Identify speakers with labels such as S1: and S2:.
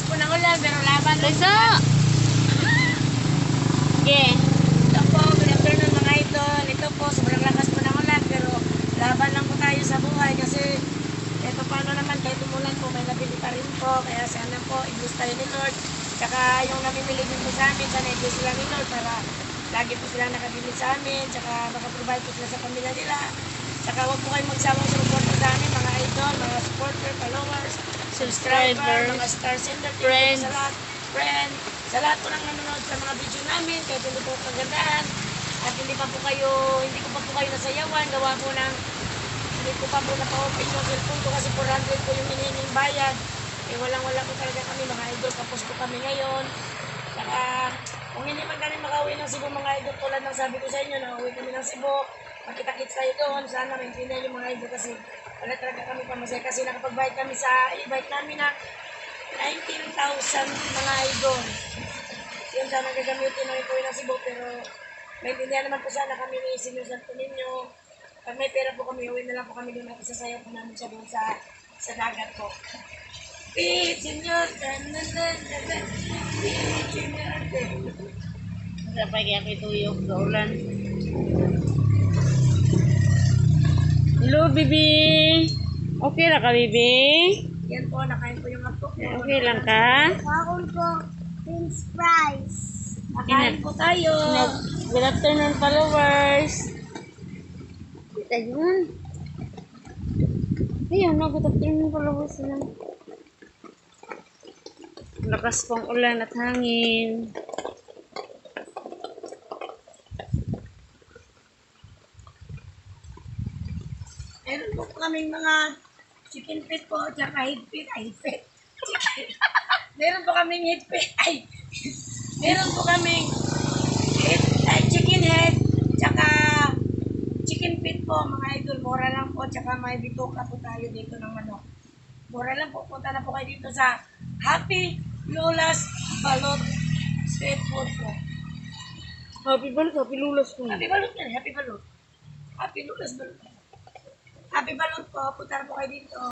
S1: po ng ulan, pero laban lang.
S2: Tayso! Okay.
S1: Ito po, good afternoon mga idol. Ito po, sobrang lakas po ng ulan, pero laban lang po tayo sa buhay kasi ito paano naman, kahit umulan po, may nabili pa rin po. Kaya sana po, i-bless tayo ni Lord. Tsaka yung namimili din po sa amin, sana i-bless sila ni Lord para lagi po sila nakabili sa amin. Tsaka makaprovide po sila sa pamilya nila. Tsaka huwag po kayong magsawang sumuporta sa amin, mga idol, mga supporter, followers, subscriber, mga star sender,
S2: friends,
S1: sa lahat, friend, sa lahat po nang nanonood sa mga video namin, kahit hindi po kagandaan, at hindi ko pa po kayo nasayawan, gawa po ng, hindi ko pa po napa-open yung cellphone ko kasi 400 po yung hinihinging bayad. Eh wala po talaga kami, mga idol, tapos po kami ngayon. Saka, kung hindi man kami makauwi ng Cebu, mga idol, tulad ng sabi ko sa inyo, nakauwi kami ng Cebu, makita-kits tayo doon, sana maintindihan yung mga idol kasi wala talaga kami pamasaya kasi nakapag-bike kami sa e-bike namin na 19,000 mga idol. Yun sana gagamitin namin po ng Cebu, pero maintindihan naman po sana kami ni Senior Santo Niño. Pag may pera po kami, uwi na lang po kami doon at isasayaw po namin siya doon sa dagat po. Beat, Senior! Beat, Senior!
S2: Dapat kaya kituyok sa ulan. Hello, baby. Okay lang ka, baby?
S1: Yan po, nakain po yung apo.
S2: Okay lang ka?
S1: Kaon po, Prince Price. Nakain po tayo.
S2: Good afternoon, followers. Ayun. Ayun, good afternoon, followers. Lakas pang ulan at hangin.
S1: Meron po kaming mga chicken feet po, tsaka higpit. Chicken. Meron po kaming higpit. Meron po kaming chicken head, tsaka chicken feet po, mga idol. Mura lang po, tsaka may bituka po tayo dito ng ano. Mura lang po, punta na po kayo dito sa Happy Lola's Balot Street Food po.
S2: Happy Balot, Happy Lulas po.
S1: Happy Balot yan, Happy Balot. Happy Lola's Balot. Happy Balot po, punta na po kayo dito.